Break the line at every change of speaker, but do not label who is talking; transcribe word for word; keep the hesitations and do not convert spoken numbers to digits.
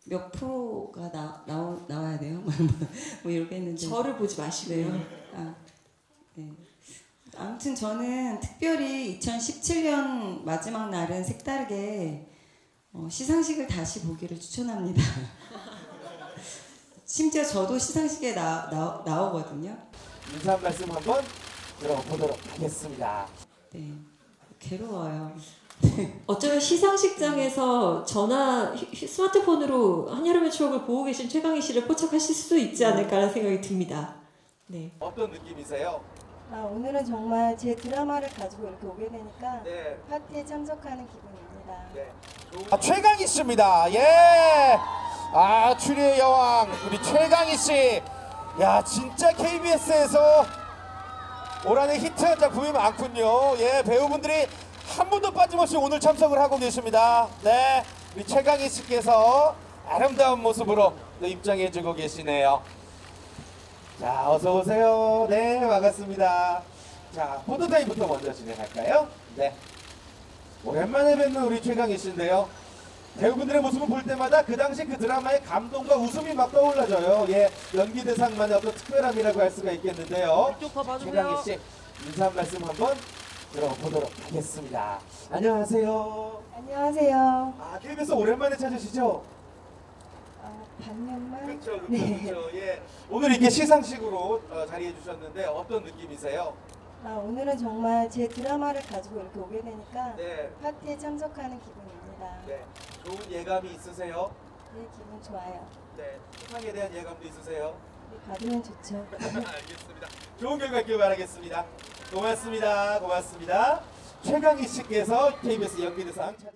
몇 프로가 나, 나오, 나와야 돼요? 뭐 이렇게 했는데
저를 보지 마시고요.
네. 아, 네. 아무튼 저는 특별히 이천십칠 년 마지막 날은 색다르게 어, 시상식을 다시 보기를 추천합니다. 심지어 저도 시상식에 나, 나, 나오거든요.
인사 한 말씀 한번 들어보도록 하겠습니다.
네, 괴로워요.
어쩌면 시상식장에서 전화, 휴, 스마트폰으로 한여름의 추억을 보고 계신 최강희 씨를 포착하실 수도 있지 않을까라는 생각이 듭니다. 네.
어떤 느낌이세요?
아, 오늘은 정말 제 드라마를 가지고 이렇게 오게 되니까
네.
파티에 참석하는 기분입니다.
네. 아, 최강희 씨입니다. 예. 아, 추리의 여왕 우리 최강희 씨. 야, 진짜 케이비에스에서 올 한해 히트한 작품이 많군요. 예, 배우분들이 한 분도 빠짐없이 오늘 참석을 하고 계십니다. 네, 우리 최강희 씨께서 아름다운 모습으로 또 입장해주고 계시네요. 자, 어서 오세요. 네, 반갑습니다. 자, 포토타임부터 먼저 진행할까요? 네. 오랜만에 뵙는 우리 최강희 씨인데요. 배우분들의 모습을 볼 때마다 그 당시 그 드라마의 감동과 웃음이 막 떠올라져요. 예, 연기 대상만의 어떤 특별함이라고 할 수가 있겠는데요. 최강희 씨 인사 한 말씀 한번 들어보도록 하겠습니다. 안녕하세요.
안녕하세요.
아, 케이비에스 오랜만에 찾으시죠?
아, 반년만?
그렇죠, 그렇죠,
네.
그렇죠. 예. 오늘 이렇게 시상식으로 어, 자리해 주셨는데 어떤 느낌이세요?
아, 오늘은 정말 제 드라마를 가지고 이렇게 오게 되니까
네.
파티에 참석하는 기분입니다.
네. 좋은 예감이 있으세요?
네, 기분 좋아요.
네. 수상에 대한 예감도 있으세요?
네, 받으면 좋죠.
알겠습니다. 좋은 결과 있길 바라겠습니다. 고맙습니다. 고맙습니다. 최강희 씨께서 케이비에스 연기대상